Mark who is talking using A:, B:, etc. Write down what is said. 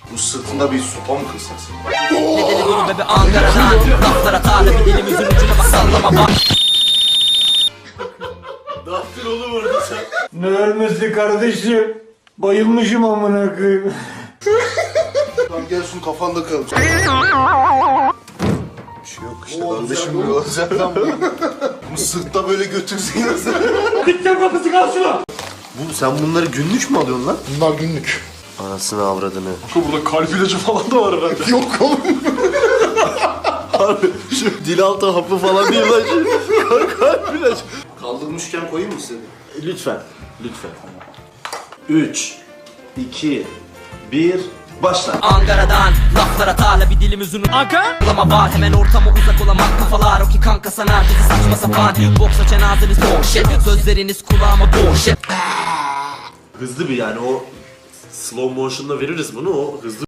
A: Bu sırtında bir sopa mı kılsın?
B: Nedeni dolu bebe Ankara'dan. Laflara tarla bir dilimizin ucuna bak sallama bak.
A: Ne yaptın oğlum orada sen?
C: Ne ölmesi kardeşim? Bayılmışım amına koyayım.
A: Tamam gel şunu kafanda kal. Bir şey yok işte kardeşim bir olacak lan bu. Bu sırtta böyle götürsün nasıl?
C: Dikten kapısı kal şuna.
A: Sen bunları günlük mü alıyorsun lan?
D: Bunlar günlük.
A: Anasını avradını.
D: Burada kalp ilacı falan da var herhalde. Yok oğlum.
A: Harbi şu dil altı hapı falan değil lan şu. Kalp ilacı. Kaldırmışken koyayım mı seni? Lütfen. Lütfen. 3, 2, 1, başla.
B: Ankara'dan laflara tarla bir dilimiz uzun. Sallama var hemen ortama uzak olamak kafalar. O ki kanka sanar bizi saçma sapan. Boksa cenazeniz boş shit. Sözleriniz kulağıma boş shit.
E: Hızlı bir yani o slow motion'da veririz bunu o hızlı